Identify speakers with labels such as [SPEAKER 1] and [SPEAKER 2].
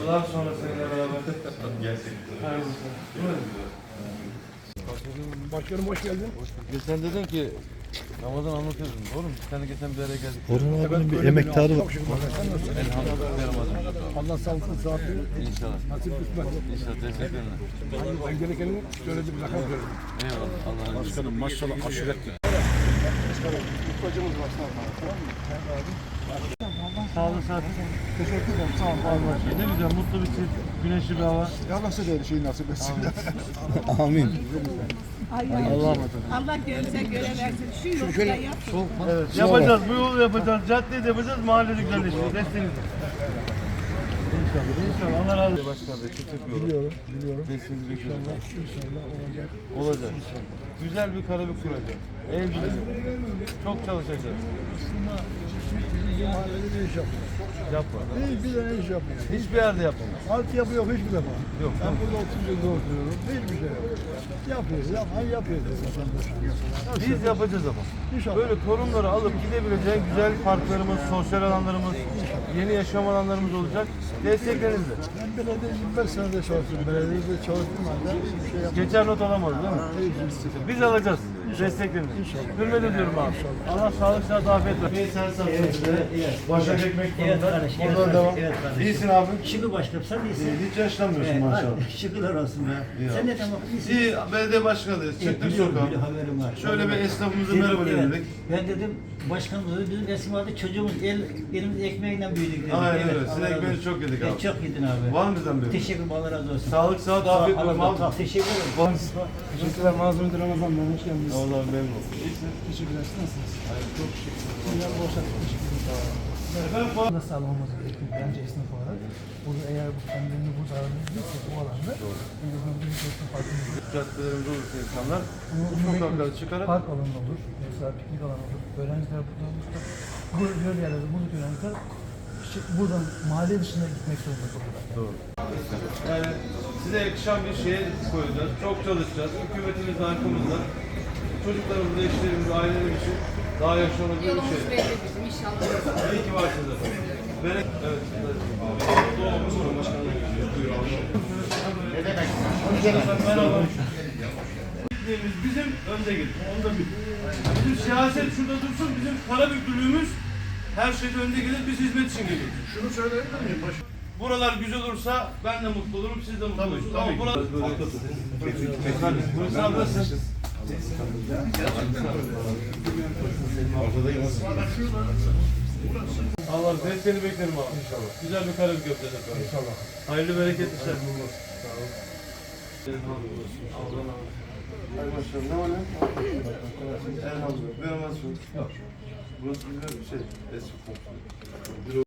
[SPEAKER 1] Yıllar sonra seninle beraber gerçekten.
[SPEAKER 2] Başkanım hoş geldin.
[SPEAKER 1] Sen dedin ki Ramazan anlatıyordun, doğru mu? Sen de geçen bir araya geldik.
[SPEAKER 3] Orhan abinin bir emektarı var.
[SPEAKER 1] Elhamdülillah.
[SPEAKER 2] Allah sağlıklı sıhhatli
[SPEAKER 1] İnşallah.
[SPEAKER 2] nasip kısmet.
[SPEAKER 1] İnşallah, teşekkür ederim.
[SPEAKER 2] Ben gerekeni söyledim, rakam söyledim.
[SPEAKER 1] Eyvallah, Allah'a emanet.
[SPEAKER 2] Başkanım maşallah aşiretli.
[SPEAKER 1] Sağ olun, sağ olun. Teşekkür ederim, sağ olun. Ne güzel, mutlu bir çift, güneşli bir hava.
[SPEAKER 2] Ya nasıl değil şeyi nasip etsin.
[SPEAKER 3] Amin.
[SPEAKER 4] Allah gönlüne göre versin. Şu yolda yapın.
[SPEAKER 1] Evet, yapacağız, bu yolu yapacağız, caddeyi de yapacağız, mahallede güzelleştireceğiz. Desteğiniz. İnşallah, Allah razı olsun. Başkan Bey, çok yapıyorum.
[SPEAKER 2] Biliyorum.
[SPEAKER 1] Desteğinizi bekliyorum.
[SPEAKER 2] İnşallah olacak.
[SPEAKER 1] Olacak. Güzel bir karabük kuracağız. Ev güzel. Çok çalışacağız.
[SPEAKER 2] Aslında bizim mahallede ne iş yapıyor?
[SPEAKER 1] Yapma.
[SPEAKER 2] Hiçbir tane iş yapmıyor.
[SPEAKER 1] Hiçbir yerde yapmamız.
[SPEAKER 2] Altyapı yok hiçbir defa.
[SPEAKER 1] Yok.
[SPEAKER 2] Ben burada 30 yılda oturuyorum. Hiçbir şey yok. Yapıyoruz. Yapıyoruz.
[SPEAKER 1] Biz yapacağız ama.
[SPEAKER 2] İnşallah.
[SPEAKER 1] Böyle torunları alıp gidebileceğin güzel parklarımız, sosyal alanlarımız, yeni yaşam alanlarımız olacak. Desteklerinizle.
[SPEAKER 2] Ben belediyede 25 senede çalıştım. Belediyede çalıştım halde bir şey yapmadım.
[SPEAKER 1] Geçer not alamadı değil mi? Biz alacağız. Desteklerinizi. Hürmet ediyorum abi. Allah sağlık, sıhhat, afiyet versin. Sen satın size. Başak ekmek konuda. Oradan devam. İyisin abi.
[SPEAKER 5] Şükür başkanım sen iyisin.
[SPEAKER 1] Hiç yaşlanmıyorsun maşallah.
[SPEAKER 5] Şükürler olsun be. Sen ne tamam iyisin.
[SPEAKER 1] İyi, belediye başkanıyız. Çıktık
[SPEAKER 5] Biliyorum,
[SPEAKER 1] sokağa.
[SPEAKER 5] biliyorum, haberim var.
[SPEAKER 1] Şöyle bir esnafımıza
[SPEAKER 5] Dedim,
[SPEAKER 1] merhaba
[SPEAKER 5] evet.
[SPEAKER 1] dedik.
[SPEAKER 5] Ben dedim başkanımız dedi, bizim resim vardı çocuğumuz elimiz ekmeğiyle büyüdük dedik.
[SPEAKER 1] Aynen öyle.
[SPEAKER 5] Allah
[SPEAKER 1] Sizin
[SPEAKER 5] razı
[SPEAKER 1] ekmeğinizi
[SPEAKER 5] olsun.
[SPEAKER 1] çok yedik abi.
[SPEAKER 5] Çok yedin abi.
[SPEAKER 1] Var mı bizden bir?
[SPEAKER 5] Teşekkür ederim, Allah razı olsun.
[SPEAKER 1] Sağlık, sıhhat, afiyet
[SPEAKER 5] Allah
[SPEAKER 1] olsun
[SPEAKER 5] razı
[SPEAKER 1] abi.
[SPEAKER 5] olsun. Teşekkür ederim.
[SPEAKER 2] Teşekkürler. Mazlum Ramazan ben hoş geldiniz.
[SPEAKER 1] Allah'ım memnun oldum. İyisin.
[SPEAKER 2] Teşekkürler. Siz nasılsınız? Çok şükür. Ya boş
[SPEAKER 6] da sağlamamız gerekiyor bence esnaf olarak. Burada eğer bu kendilerini burada aranabilirse bu alanda en azından bir esnaf farkında
[SPEAKER 1] Caddelerimiz olursa insanlar bu
[SPEAKER 6] bunu
[SPEAKER 1] sokaklara çıkarak
[SPEAKER 6] park alanı olur, mesela piknik alanı olur. Öğrenciler burada olursa bu göl yerlerde buradaki öğrenciler buradan mahalle dışına gitmek zorunda kalırlar.
[SPEAKER 1] doğru. Yani size yakışan bir şeye koyacağız. Çok çalışacağız. Hükümetimiz de arkamızda. Çocuklarımız, eşlerimiz, ailelerimiz için daha yaşanabilir bir
[SPEAKER 4] Yolumuz
[SPEAKER 1] şey.
[SPEAKER 4] belli bizim inşallah.
[SPEAKER 1] İyi ki varsınız efendim. Evet. Merhaba. Bizim önde gidin. Onu da bil. Bizim siyaset şurada dursun. Bizim para müdürlüğümüz her şeyde önde gelir. Biz hizmet için geliyoruz.
[SPEAKER 2] Şunu söyleyebilir miyim?
[SPEAKER 1] Buralar güzel olursa ben de mutlu olurum, siz de mutlu olursunuz. Ama buralar... Buyurun ablasın. Allah desteğini beklerim abi inşallah. Güzel bir karabük yapacağız efendim. İnşallah. Hayırlı bereketli işler. Sağ olun. Hay maşallah. Ne var ne? Elhamdülillah. Bir amaz yok. Burası güzel bir şey. Eski komşu.